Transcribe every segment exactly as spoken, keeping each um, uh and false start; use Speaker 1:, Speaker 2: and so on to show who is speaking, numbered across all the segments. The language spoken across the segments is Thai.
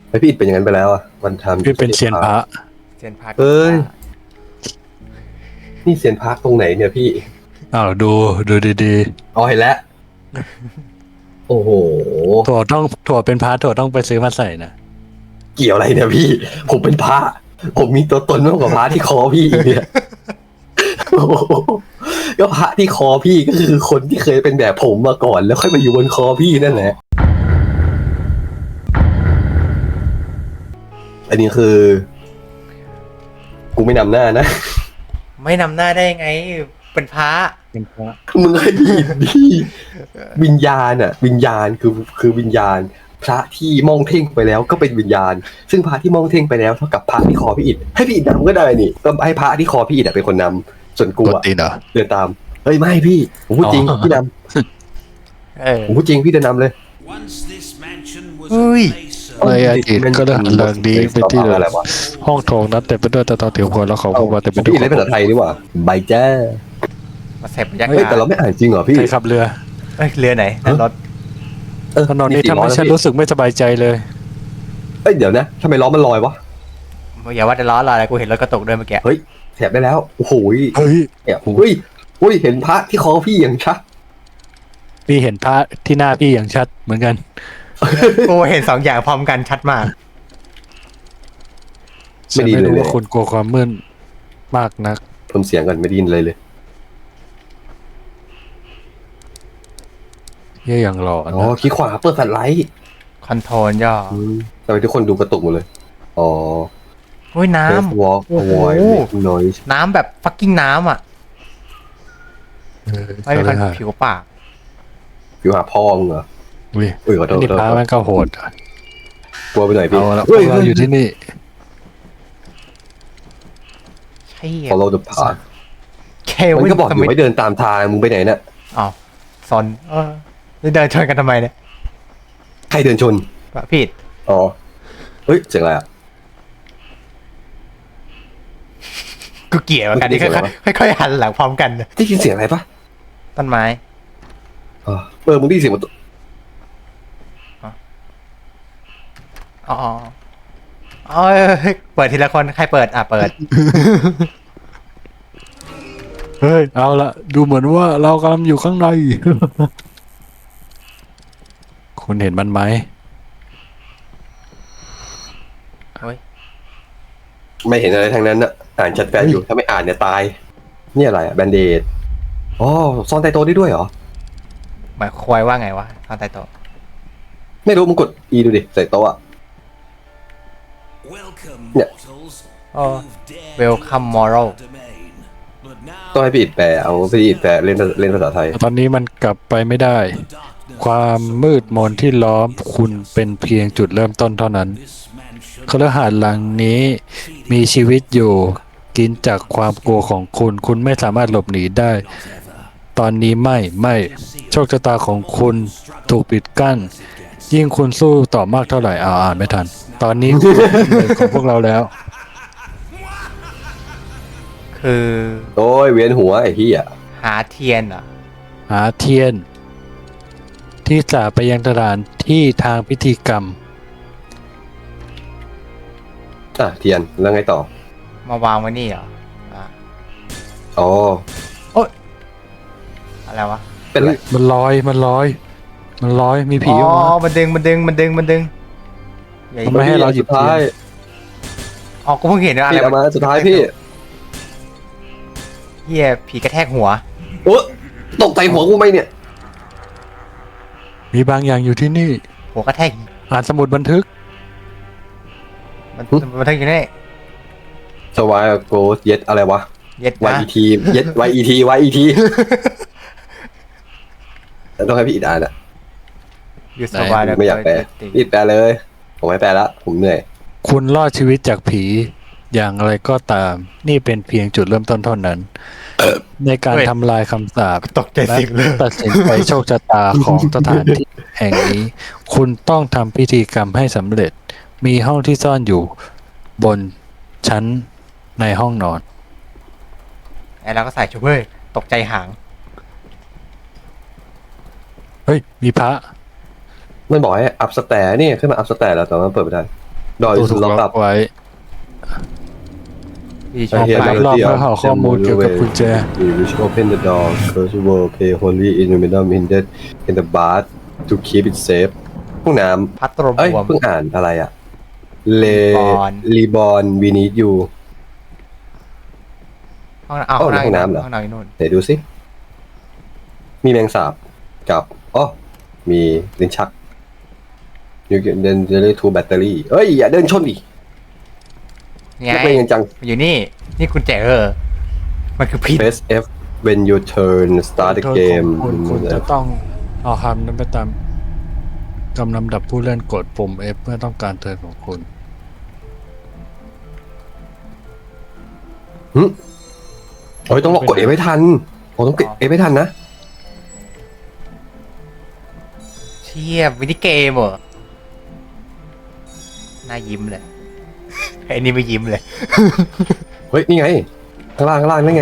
Speaker 1: ไอพี่อิดเป็นอย่างนั้นไปแล้วอ่ะมันทำ
Speaker 2: พี่เป็นเซียนพระ
Speaker 3: เซียนพระ
Speaker 1: เอ้ยนี่เซียนพระตรงไหนเนี่ยพี่
Speaker 2: อ้าวดูดูดี
Speaker 1: อ๋อเห็นแล้วโอ้โห
Speaker 2: ๆถั่วต้องถั่วเป็นพระถั่วต้องไปซื้อมาใส่นะ
Speaker 1: เกี่ยวอะไรเนี่ยพี่ ผมเป็นพระผมมีตัวตนมากกว่าพระที่คอพี่อีกเนี่ยโอ้โหก็พระที่คอพี่ก็คือคนที่เคยเป็นแบบผมมาก่อนแล้วค่อยมาอยู่บนคอพี่นั่นแหละอันนี้คือ กูไม่นำหน้านะ
Speaker 3: ไม่นำหน้าได้ไงเป็นพระ
Speaker 2: เป็นพระ
Speaker 1: มึงให้พี่ดิวิญญาณอ่ะ วิญญาณคือคือวิญญาณ พระที่มองเท่งไปแล้วก็เป็นวิญญาณ ซึ่งพระที่มองเท่งไปแล้วเท่ากับพระที่คอพี่อิฐให้พี่อิฐนำก็ได้นี่ก็ให้พระที่คอพี่อิฐเป็นคนนำส่วนกู
Speaker 2: กด
Speaker 1: อ่ะ
Speaker 2: ตีนเหรอ
Speaker 1: เดินตามเฮ้ยไม่พี่ผมพูดจริง
Speaker 2: อ๋อ
Speaker 1: พี่น
Speaker 3: เออ
Speaker 1: ำผมพูดจริงพี่เดินนำเลย
Speaker 3: เฮ้ย
Speaker 2: ในอดีตก็ได้หันหลังดีไปที่
Speaker 1: อะไรวะ
Speaker 2: ห้องโถงนั้นเต็มไปด้วยตะตอเถียวพลแล้วเขาพูดว่าเต็มไป
Speaker 1: พี่
Speaker 2: ด้วย
Speaker 1: อิฐเล่นภาษาไทยนี่หว่าใบแจ้
Speaker 3: มาเสพบรรยา
Speaker 1: เฮ้ย
Speaker 3: กาศ
Speaker 1: แต่เราไม่อ่านจริงเหรอพี่
Speaker 2: ใครขับเรือ
Speaker 3: เอ้ยเรือไหนนั่นรถ
Speaker 1: เออ
Speaker 2: ถนนนี้ทำให้ฉันรู้สึกไม่สบายใจเลย
Speaker 1: เอ้ยเดี๋ยวนะทำไมล้อมันลอยวะ
Speaker 3: อย่าว่าแต่ล้อลอยอะไรกูเห็นรถกระตุกด้วยเมื่อกี้
Speaker 1: เฮ้ยแถบได้แล้วโอ้โห
Speaker 2: เฮ้ย
Speaker 1: เนี่ยเฮ้ยเฮ้ยเห็นพระที่คอพี่อย่างชัด
Speaker 2: พี่เห็นพระที่หน้าพี่อย่างชัดเหมือนกัน
Speaker 3: กูเห็นสองอย่างพร้อมกันชัดมาก
Speaker 2: ฉันไม่รู้ว่าคุณกลัวความมืดมากนัก
Speaker 1: เพิ่มเสียงก่อนไม่ได้ยินเลยเลย
Speaker 2: เยี่ยอย่างหล่อ
Speaker 1: อ๋อ
Speaker 2: นะ
Speaker 1: คลิกขวาเปิดแฟลชไลท์
Speaker 3: คอนโทรลย่อ
Speaker 1: อืมทำไมทุกคนดูกระตุกหมดเลย อ๋อ
Speaker 3: อุ้ยน้
Speaker 1: First walk
Speaker 3: โอ้โห
Speaker 1: avoid making noise
Speaker 3: ำน้ำแบบฟักกิ้งน้ำอ่ะ
Speaker 2: เออ
Speaker 3: ไม่มี
Speaker 2: ก็
Speaker 3: คน
Speaker 2: เลย
Speaker 3: ผิวปาก
Speaker 1: ผิวหาพ่อมึงเหรอ
Speaker 2: อุ้ย
Speaker 1: อุ้ยขอโทษ
Speaker 2: นี่
Speaker 1: ขอ
Speaker 2: พระ
Speaker 1: โทษ
Speaker 2: แม่งก็โหด
Speaker 1: กลัวไปหน่อยพี่
Speaker 2: เอาละพ
Speaker 1: เฮ้
Speaker 2: วย กเราอยู่ที่นี่
Speaker 3: ใช่
Speaker 1: follow the path
Speaker 3: เค
Speaker 1: มัน
Speaker 3: วิน
Speaker 1: ก็บอก
Speaker 3: ส
Speaker 1: อยู่
Speaker 3: มิธ
Speaker 1: ให้เดินตามทางมึงไปไหนน่ะ
Speaker 3: อ้าวซอนเออนี่เดินชนกันทำไมเนี่ย
Speaker 1: ใครเดินชน
Speaker 3: ผิด
Speaker 1: อ๋อ เฮ้ยเสียงอะไรอ่ะ
Speaker 3: กูเกลียดเหมือนกันที่
Speaker 1: เสียงอะไรวะ
Speaker 3: ค่อยๆค่อยๆหันหลังพร้อมกันนะ
Speaker 1: ได้ยินเสียงอะไรปะ
Speaker 3: ต้นไม้
Speaker 1: อ๋อเออมึงได้ยินเสียงมัน
Speaker 3: อ๋ออ๋อเอ้ยเปิดทีละคนใครเปิดอ่ะเปิด
Speaker 2: เฮ้ย เอาละดูเหมือนว่าเรากำลังอยู่ข้างใน คุณเห็นมันไหม
Speaker 3: เฮ้ย
Speaker 1: ไม่เห็นอะไรทั้งนั้นน่ะ อ่านแชทแฟนอยู่ ถ้าไม่อ่านเนี่ยตาย นี่อะไรอ่ะแบนเดดอ๋อซ่อนใต้โต๊ะได้ด้วยเหรอ
Speaker 3: หมายควายว่าไงวะตอนใต้โต๊ะ
Speaker 1: ไม่รู้มึงกด E ดูดิ ใส่โต๊ะอ่ะ
Speaker 4: เนี่ย
Speaker 3: อ๋อ Welcome Moral
Speaker 1: ต้องให้พี่อิดแปลเอาพี่อิดแปลเล่นเล่นภาษาไทย
Speaker 2: ตอนนี้มันกลับไปไม่ได้ ความมืดมนที่ล้อมคุณเป็นเพียงจุดเริ่มต้นเท่านั้นคฤหาสน์หลังนี้มีชีวิตอยู่ กินจากความกลัวของคุณ คุณไม่สามารถหลบหนีได้ ตอนนี้ไม่ไม่โชคชะตาของคุณถูกปิดกั้น ยิ่งคุณสู้ต่อมากเท่าไหร่อ่าอ่านไม่ทัน ตอนนี้ คุณเป็นหนึ่งของพวกเราแล้ว
Speaker 3: คือ
Speaker 1: โอ้ยเวียนหัวไอ้ที่อ่ะ
Speaker 3: หาเทียนเหรอ
Speaker 2: หาเทียน ที่สาไปยังสถานที่ทางพิธีกรรม
Speaker 1: อ่ะเทียนแล้วไงต่อ
Speaker 3: มาวางไว้นี่เหรออ่ะ
Speaker 1: อ๋อ
Speaker 3: อะไรวะ
Speaker 1: เป็นไร
Speaker 2: มันลอยมันลอย มันลอยมีผี
Speaker 3: อ๋
Speaker 2: ออกมา
Speaker 3: อมันดึงมันดึงมันดึงมันดึงอย่า
Speaker 2: ทำไมให้เราหยิบ
Speaker 1: สุดท้าย
Speaker 3: อ๋อกูเพิ่งเห็นว่าอะไร
Speaker 1: พี่เอามาสุดท้ายพี่
Speaker 3: เฮียผีกระแทกหัว
Speaker 1: โอ้ตกใจหัวกูไหมเนี่ย
Speaker 2: มีบางอย่างอยู่ที่นี่
Speaker 3: หัวกระแทก
Speaker 2: อ่านสมุดบันทึก
Speaker 3: มันมันทั้งอยู่นี่
Speaker 1: สวายโกสเย็ดอะไรวะ
Speaker 3: เย็ด
Speaker 1: วาย
Speaker 3: นะ
Speaker 1: อีทีเย็ดวายอีทีวายอีทีต้องให้พี่อิดอ่านอ่ะ
Speaker 3: อยู่สบายแล้ว
Speaker 1: ไม่อยากแปลพี่อิดแปลเลย ผมไม่แปลละผมเหนื่อย
Speaker 2: คุณรอดชีวิตจากผีอย่างไรก็ตาม นี่เป็นเพียงจุดเริ่มต้นเท่านั้น ในการทำลายคำสาป
Speaker 3: ตกใจเสิงเลย
Speaker 2: ตัดสินใจโชคชะตาของสถานที่แห่งนี้ คุณต้องทำพิธีกรรมให้สำเร็จ มีห้องที่ซ่อนอยู่ บนชั้นในห้องนอน
Speaker 3: ไอ้เราก็ใส่ชุดเว้ยตกใจหาง
Speaker 2: เฮ้ย มีพระ
Speaker 1: มันบอกให้อัพสแตร์นี่ขึ้นมาอัพสแตร์แล้วแต่ว่ามันเปิดไม่ได้ดอย
Speaker 2: ตู้
Speaker 1: สุ
Speaker 2: ถู
Speaker 1: ด
Speaker 2: ก
Speaker 1: ล็อก
Speaker 2: ล็
Speaker 1: อั
Speaker 2: อบ กไว้
Speaker 3: พี่ช
Speaker 1: ไอ้
Speaker 3: อบ
Speaker 1: เหี้ย
Speaker 3: ไป
Speaker 2: รอบๆเพื่อหาข้อมูลเกี่ยวกับกุญแจ
Speaker 1: You wish open the door close the door pay holy in the middle in the in the bath to keep it safe ห้องน้
Speaker 3: พัดตรม
Speaker 1: ำเอ้ย
Speaker 3: บวม
Speaker 1: เพิ่งอ่านอะไรอะเล
Speaker 3: Reborn
Speaker 1: รีบอนวีนิดยู
Speaker 3: ห้องน้ำอ้าว
Speaker 1: เอ้า
Speaker 3: ห้องน้ำ
Speaker 1: ห้องน้ำเหรอ
Speaker 3: ห้องน้ำอยู่นู่น
Speaker 1: ไหนดูสิ มีแมงสาบกับอ๋อมีลิ้นชัก You can then delay two battery เอ้ย อย่าเดินชนดิ
Speaker 3: ไง
Speaker 1: นักเลงกันจัง
Speaker 3: มันอยู่นี่ นี่กุญแจเออ มันคือพิษ
Speaker 1: Press F when you turn start the
Speaker 2: โทษ
Speaker 1: game
Speaker 2: ของคุณคุณจะต้องเอาคำนั้นไปตามกำลำดับผู้เล่นกดปุ่ม F เพื่อต้องการเทิร์นของคุณ
Speaker 1: หึโอ้ยต้องกดเอฟให้ทันโอ้ต้องกดเอฟให้ทันนะ
Speaker 3: เชี่ยวินิเกมเหรอน่ายิ้มเลย ไอ้นี่ไม่ยิ้มเลย
Speaker 1: เฮ้ย นี่ไง ข้างล่างข้างล่างนั่นไง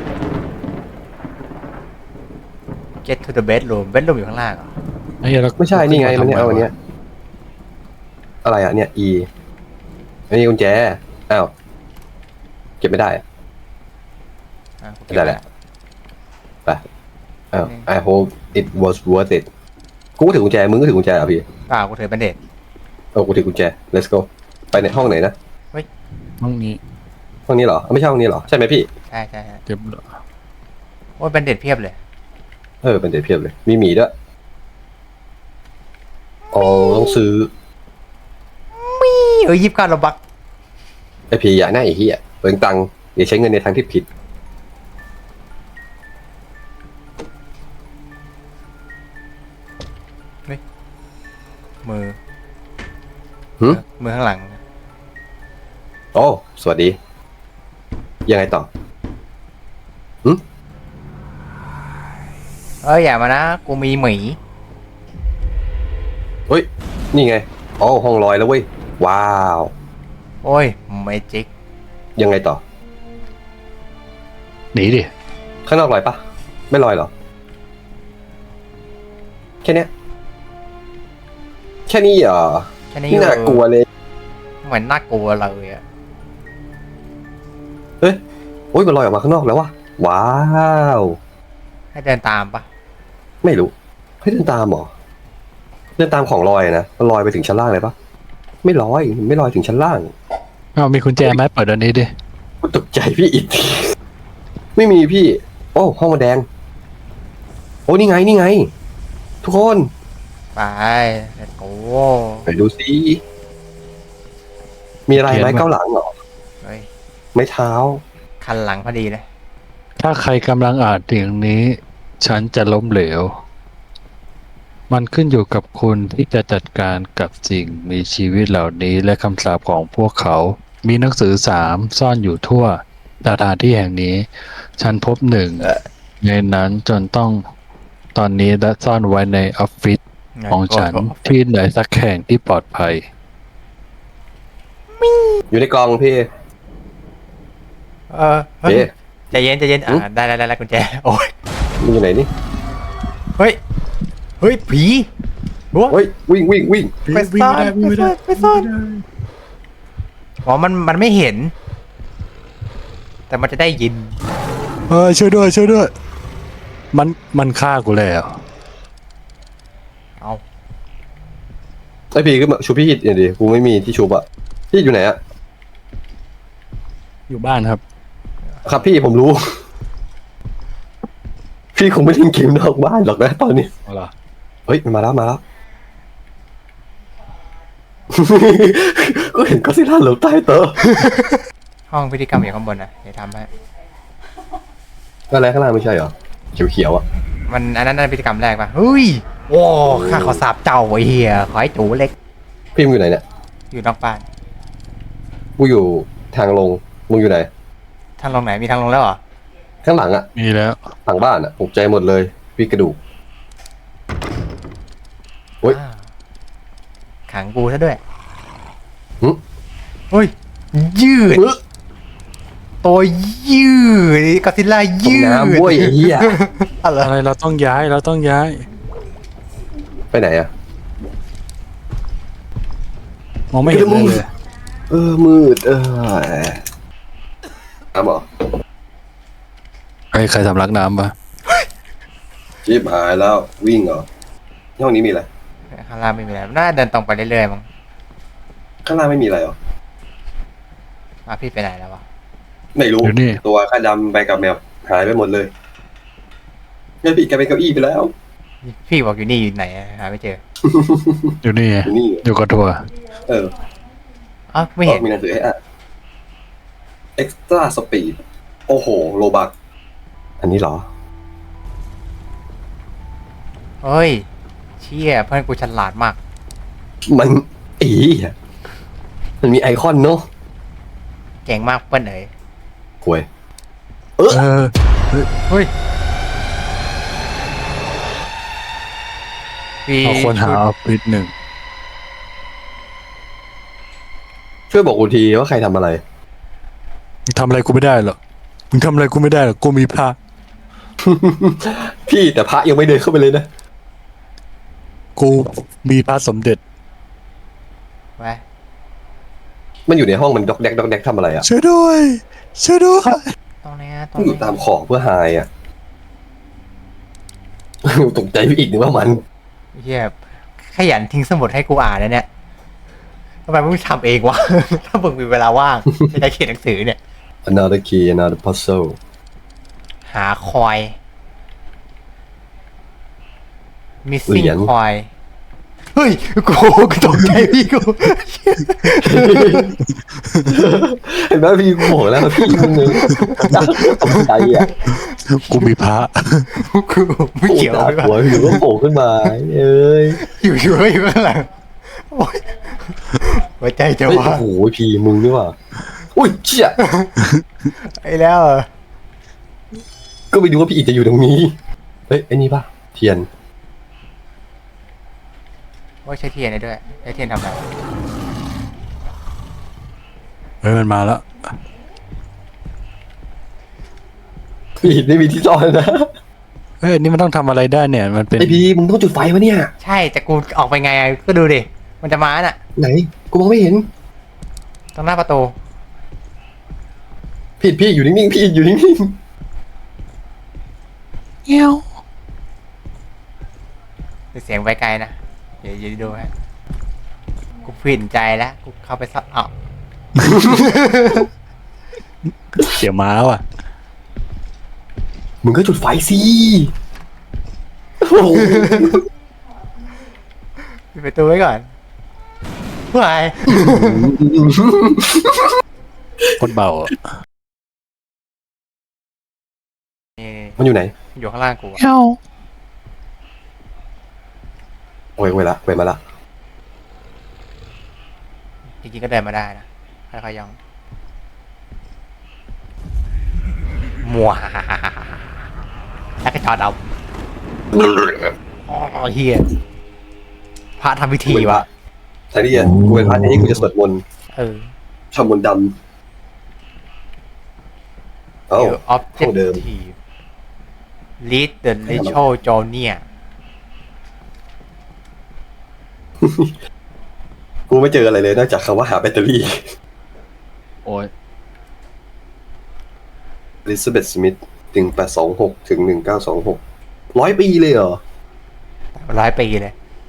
Speaker 3: Get to the bedroom bedroom อยู่ข้างล่างเหรอ
Speaker 2: ไอ้เหี้ยแล้ว
Speaker 1: ไม่ใช่ นี่ไง มันเนี่ย
Speaker 2: ขึ้
Speaker 1: เอา
Speaker 2: มา
Speaker 1: อันเนี้ย อะไรอ่ะ เนี่ย E อันนี้กุญแจ อ้าว เก็บไม่ได้อะ
Speaker 3: อ่ะกูเก็บ
Speaker 1: ได้แหละ ไป อ้าว I hope it was worth it กูก็ถือกุญแจ มึงก็ถือกุญแจเหรอ่ะพี่
Speaker 3: เปล่ากูถือเป็นเด็ด
Speaker 1: เออกูถือกุญแจ let's go ไปในห้องไหนนะ
Speaker 2: ห้องนี้
Speaker 1: ห้องนี้เหรอ ไม่ใช่ห้องนี้เหรอ ใช่ไหมพี่
Speaker 3: ใช่ใช่ใช่
Speaker 2: เก็บ
Speaker 3: โอ้ยเป็นเด็ดเพียบเลย
Speaker 1: เออ เป็นเด็ดเพียบเลย มีหมีด้วยอ๋อต้องซื้อ
Speaker 3: เออยิบการระบัก
Speaker 1: ไอพีอยากหน้าไอ้เหี้ยเปลืองตังค์อย่าใช้เงินในทางที่ผิด
Speaker 3: มือ
Speaker 1: หึ
Speaker 3: มือข้างหลัง
Speaker 1: โอ้ สวัสดี ยังไงต่อ
Speaker 3: เอ้ยอย่ามานะ กูมีหมี
Speaker 1: เฮ้ย นี่ไงอ๋อห้องลอยแล้วเว้ย ว้าว
Speaker 3: โอ้ยเมจิก
Speaker 1: ยังไงต่อ
Speaker 2: หนีดิ
Speaker 1: ข้างนอกลอยปะ ไม่ลอยเหรอ แค่เนี้ย แค่นี้เหรอ
Speaker 3: แค่นี้
Speaker 1: นี่น่ากลัวเลย
Speaker 3: เหมือนน่ากลัวเลยอะ
Speaker 1: เฮ้ย โอ้ย มันลอยออกมาข้างนอกแล้ววะว้าว
Speaker 3: ให้เดินตามปะ
Speaker 1: ไม่รู้ให้เดินตามเหรอ เดินตามของลอยนะ มันลอยไปถึงชั้นล่างเลยปะ ไม่ลอย ไม่ลอยถึงชั้นล่าง
Speaker 2: อ้าวมีกุญแจไหมเปิดอันนี้ดิ
Speaker 1: กูตกใจพี่อิด ไม่มีพี่ โอ้ห้องมันแดง โอ้นี่ไงนี่ไง ทุกคน
Speaker 3: ไปเด็ดโก้
Speaker 1: ไปดูสิมีอะไรไหมเก้าหลังเหรอ
Speaker 3: เฮ้ย
Speaker 1: ไม้เท้า
Speaker 3: คันหลังพอดีเลย
Speaker 2: ถ้าใครกำลังอ่านสิ่งนี้ ฉันจะล้มเหลว มันขึ้นอยู่กับคุณที่จะจัดการกับสิ่งมีชีวิตเหล่านี้และคำสาปของพวกเขา มีหนังสือสามซ่อนอยู่ทั่วสถานที่แห่งนี้ ฉันพบหนึ่งในนั้นจนต้องตอนนี้และซ่อนไว้ในออฟฟิศของฉันที่ไหนสักแห่งที่ปลอดภัย
Speaker 1: อยู่ในกล่องพี่
Speaker 3: เออเฮ้ย
Speaker 1: เอ๊ะ
Speaker 3: ใจเย็นใจเย็นอ่า
Speaker 1: อืม
Speaker 3: ได้ได้ได้ได้กุญแจ โอ้ย
Speaker 1: มันอยู่ไหนนี่
Speaker 3: เฮ้ย เฮ้ย ผีโอ้ย
Speaker 1: เฮ้ย วิ่งวิ่งวิ่ง
Speaker 3: ไปซ่อนไปซ่อนไปซ่อนอ๋อ มัน มันไม่เห็น แต่มันจะได้ยิน
Speaker 2: เออช่วยด้วยช่วยด้วย มันมันฆ่ากูแล้ว
Speaker 3: เอา
Speaker 1: ไอพี่ก็มาชูพี่อิดอย่างดิกูไม่มีที่ชูบอะพี่อยู่ไหนอะ
Speaker 2: อยู่บ้านครับ
Speaker 1: ครับพี่ผมรู้ พี่คงไม่เล่นเกมนอกบ้านหรอกนะตอนนี้
Speaker 2: เอาล่ะ
Speaker 1: เฮ้ยมันมาแล้วมาแล้ว ก็เห็นก็ซิล่าหลบใต้โต๊ะ
Speaker 3: ห้องพิธีกรรมอยู่ข้างบนนะเดี๋ยวทำให้
Speaker 1: อะไรข้างล่างไม่ใช่เหรอเขียวๆอะ
Speaker 3: มันอันนั้นน่าเป็นพิธีกรรมแรกป่ะเฮ้ยโอ้ข้าขอสาบเจ้าไอ้เหี้ยขอให้จูเล็ก
Speaker 1: พี่มึงอยู่ไหนเนี่ย
Speaker 3: อยู่นอกบ้าน
Speaker 1: กูอยู่ทางลงมึงอยู่ไหน
Speaker 3: ทางลงไหนมีทางลงแล้วเหรอ
Speaker 1: ข้างหลังอะ
Speaker 2: มีแล้ว
Speaker 1: หลังบ้านอะตกใจหมดเลยพี่กระดูก เฮ้ย
Speaker 3: อ้าวขังกูซะด้วย
Speaker 1: หึ
Speaker 3: เฮ้ย ยืด
Speaker 1: เฮ้ย
Speaker 3: ตัวยืดก็ซิลล่ายืด
Speaker 1: น้ำบ้วยไอ้เหี้ย
Speaker 3: อะไร
Speaker 2: อะไรเราต้องย้ายเราต้องย้าย
Speaker 1: ไปไหนอะ
Speaker 2: มองไม่เห็นเลยเลย
Speaker 1: เออมืดเออน้ำเหรอ
Speaker 2: ไอ้ใครสำลักน้ำปะ
Speaker 1: ชิบหายแล้ววิ่งเหรอห้องนี้มีอะไร
Speaker 3: ข้างล่างไม่มีอะไรน่าเดินตรงไปเรื่อยๆมั้ง
Speaker 1: ข้างล่างไม่มีอะไรเหรอ
Speaker 3: มาพี่ไปไหนแล้ววะ
Speaker 1: ไม่รู้
Speaker 2: อยู่นี่
Speaker 1: ตัวข้าดำไปกับแมวหายไปหมดเลยแม่พี่แกเป็นเก้าอี้ไปแล้ว
Speaker 3: พี่บอกอยู่นี่อยู่ไหนอะหาไม่เจอ
Speaker 2: อยู่นี่ไง
Speaker 1: อยู่นี่
Speaker 2: อยู่กับทัวร์
Speaker 1: เออ
Speaker 3: อ๋อไม่เห็น
Speaker 1: มีหนังสือให้อ่าน extra speed โอ้โหโลบักอันนี้เหรอ
Speaker 3: เฮ้ยเชี่ยเพื่อนกูฉลาดมาก
Speaker 1: มันอีอะมันมีไอคอนเนาะ
Speaker 3: เก่งมากเพื่อนเอ๋ย
Speaker 1: หวย
Speaker 2: เออ
Speaker 3: เฮ้ยพี่
Speaker 2: เอาคนหาออฟฟิศหนึ่ง
Speaker 1: ช่วยบอกกูทีว่าใครทำอะไร
Speaker 2: มึงทำอะไรกูไม่ได้หรอกมึงทำอะไรกูไม่ได้หรอกกูมีพระ
Speaker 1: พี่แต่พระยังไม่เดินเข้าไปเลยนะ
Speaker 2: กูมีพระสมเด็จ
Speaker 3: ไป
Speaker 1: มันอยู่ในห้องมันดอกแดกดอกแดกทำอะไรอ่ะ
Speaker 2: ช่วยด้วยช่วยด้วย
Speaker 3: ตรงนี้ตร
Speaker 1: มั
Speaker 3: ง
Speaker 1: นอยู่
Speaker 3: นี้
Speaker 1: ตามขอบเพื่อหายอ่ะ ตกใจไปอีกนึกว่ามัน
Speaker 3: เฮียขยันทิ้งสมุดให้กูอ่านนะเนี่ยทำไมมึงทำเองวะ ถ้ามึงมีเวลาว่างในการเขียนหนังสือเนี่ย
Speaker 1: another key another puzzle
Speaker 3: หาคอย
Speaker 1: เหรี
Speaker 3: missing
Speaker 1: ยญ
Speaker 3: คอยเฮ้ยกูกูตกใจพี่กู
Speaker 1: เห็นไหมพี่กูบอกแล้วพี่มึงเลยตกใจอ่ะ
Speaker 2: กูมีพระ
Speaker 3: กูไม่เกี่ยว
Speaker 1: โผล่
Speaker 3: เลย
Speaker 1: จากหัวอยู่ก็โผล่ขึ้นมาเอ้ย
Speaker 3: อยู่อยู่อยู่ข้างหลังโอ๊ยหัวใจจะ
Speaker 1: เฮ้ย
Speaker 3: ว่า
Speaker 1: โอ้โหพี่มึงนี่หว่าอุ้ยเชี่ย
Speaker 3: ไอ้แล้วเหรอ
Speaker 1: ก็ไปดูว่าพี่อิดจะอยู่ตรงนี้เฮ้ยไอ้นี่ป่ะเทียน
Speaker 3: ว่าใช้เทียนได้ด้วยใช้เทียนทำอะไร
Speaker 2: เฮ้ยมันมาแล้ว
Speaker 1: พี่อิดไม่มีที่ซ่อนนะ
Speaker 2: เฮ้ยอันนี่มันต้องทำอะไรได้เนี่ย มันเป็น
Speaker 1: ไอพี่มึงต้องจุดไฟวะเนี่ย
Speaker 3: ใช่แต่กูออกไปไงอะก็ดูดิมันจะมาน่ะ
Speaker 1: ไหนกูมองไม่เห็น
Speaker 3: ตรงหน้าประตู
Speaker 1: พี่อิดพี่อยู่นิ่งๆพี่อิดอยู่นิ่ง
Speaker 2: เงี้ยว
Speaker 3: เสียงไว้ไกลนะเดี๋ยวเดี๋ยวดูฮะกูผินใจแล้วกูเข้าไปซับอ้าว
Speaker 2: เสียม้าว่ะ
Speaker 1: ๆมึงก็จุดไฟสิโอ้โห
Speaker 3: ปิดประตูไว้ก่อนเพื่ออะไร
Speaker 2: คนเบาอะ
Speaker 3: นี่
Speaker 1: มันอยู่ไหน
Speaker 3: อยู่ข้างล่างกูอะ
Speaker 2: เงี้ยว
Speaker 1: โอ้ยเวลาเวมาละ
Speaker 3: จริงๆก็เดินมาได้นะค่อยๆย่องมัวแล้วก็จอดเอาอ๋อเฮียพระทำพิธีวะ
Speaker 1: แต่นี่อ่ะกูเป็นพระที่กูจะสวดมนต์
Speaker 3: เออ
Speaker 1: ทำมนต์ดำเอ้า
Speaker 3: เดี๋ยว
Speaker 1: ห้องเดิม
Speaker 3: objective lead the ritual journey
Speaker 1: กูไม่เจออะไรเลยนอกจากคำว่าหาแบตเตอรี่
Speaker 2: โอ้ย
Speaker 1: Elizabeth Smith หนึ่งแปดสองหกถึงหนึ่งเก้าสองหกร้อยปีเลยเหรอ
Speaker 3: ร้อยปีเลย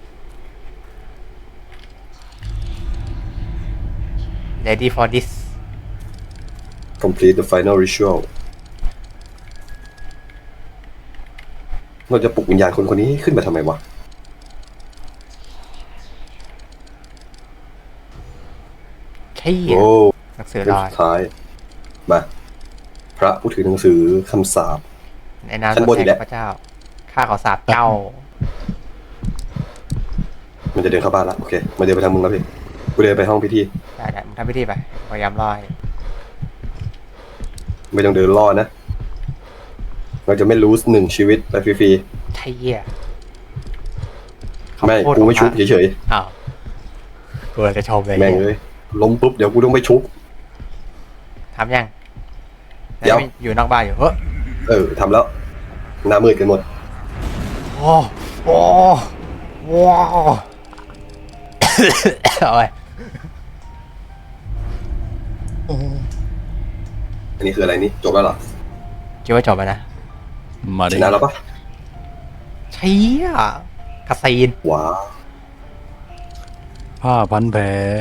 Speaker 3: ready for this
Speaker 1: Complete the final ritual เราจะปลุกวิญญาณคนคนนี้ขึ้นมาทำไมวะ
Speaker 3: ใช่
Speaker 1: โอ้
Speaker 3: หนังสือ
Speaker 1: เล่
Speaker 3: ล
Speaker 1: ม
Speaker 3: อย
Speaker 1: สุดท้าย มา พระผู้ถือหนังสือคำสาป
Speaker 3: ในนาม
Speaker 1: ชั้นบนอีกแล้ว
Speaker 3: พระเจ้า ข้าขอสาบเจ้า
Speaker 1: มันจะเดินเข้าบ้านละโอเคมาเดินไปทางมึงแล้วพี่กูเดินไปห้องพิธี
Speaker 3: ได้ได้มึงทำพิธีไป พยายามรอย
Speaker 1: ไม่ต้องเดินล่อนะ เราจะไม่รู้หนึ่งชีวิตไปฟรี
Speaker 3: ใช่เหี้ย
Speaker 1: ๆไม่
Speaker 3: พูด
Speaker 1: กูไม่
Speaker 3: ออกมา
Speaker 1: ชุบเฉย
Speaker 3: อ้าวกูเลยจะชมเลย
Speaker 1: ๆแม่งเลยล้มปุ๊บเดี๋ยวกูต้องไปชุบ
Speaker 3: ทำยัง
Speaker 1: เดี๋ยว
Speaker 3: อยู่นอกบ้านอยู่เฮ้ย
Speaker 1: เออทำแล้วหน้ามืดกันหมด
Speaker 3: โอ้โอ้ว้าว เอาไป
Speaker 1: อันนี้คืออะไรนี่จบแล้วเหรอ
Speaker 3: คิดว่าจบแล้วนะ
Speaker 2: มา
Speaker 1: ช
Speaker 2: ดิ
Speaker 1: นะแล้วปะ
Speaker 3: เชี่ยกระซีน
Speaker 1: ว้าว
Speaker 2: ผ้าพันแผล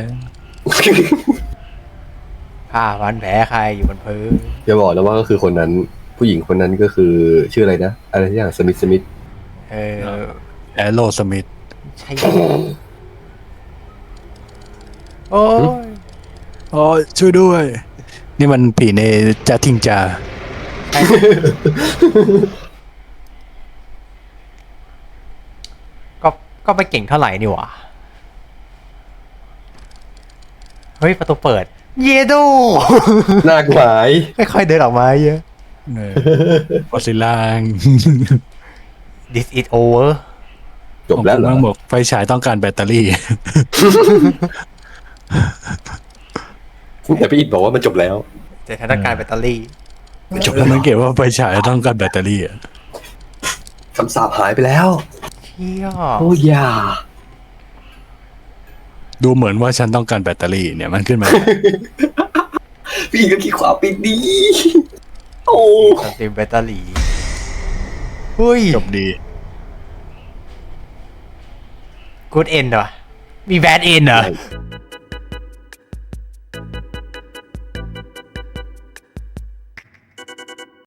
Speaker 3: ผ้าพันแผลใครอยู่บนพื้น
Speaker 1: จะบอกแล้วว่าก็คือคนนั้น ผู้หญิงคนนั้นก็คือชื่ออะไรนะอะไรที่อย่างสมิธสมิธ
Speaker 3: เออ
Speaker 2: แอโรสมิธ
Speaker 3: ใช่โอ้ย
Speaker 2: อ๋อช่วยด้วย นี่มันผีในจาทิงจา
Speaker 3: ก็ก็ไม่เก่งเท่าไหร่นี่หว่าเฮ้ย ประตูเปิด เยโด
Speaker 1: หน้ากหมาย
Speaker 3: ค่อยๆเดินออกมาเยอะ
Speaker 2: เออฟอสซิลาง
Speaker 3: This is over
Speaker 1: จบแล้วเหรอ
Speaker 2: ผมบอกไฟฉายต้องการแบตเตอรี่
Speaker 1: แต่พี่อิดบอกว่ามันจบแล้ว
Speaker 3: แต่ถ้าต้องการแบตเตอรี่
Speaker 2: จบแล้วมันเก็บว่าไฟฉายต้องการแบตเตอรี่อะ
Speaker 1: คำสาปหายไปแล้ว
Speaker 3: เชี่ย
Speaker 1: โอ้ยา
Speaker 2: ดูเหมือนว่าฉันต้องการแบตเตอรี่เนี่ยมันขึ้นมา
Speaker 1: พี่อิดก็ขี้ขวาปิดดี โอ้
Speaker 3: สตรีมแบตเตอรี่เฮ้ย
Speaker 2: จบดี
Speaker 3: Good end เหรอ มี Bad end เหรอ
Speaker 1: ใช่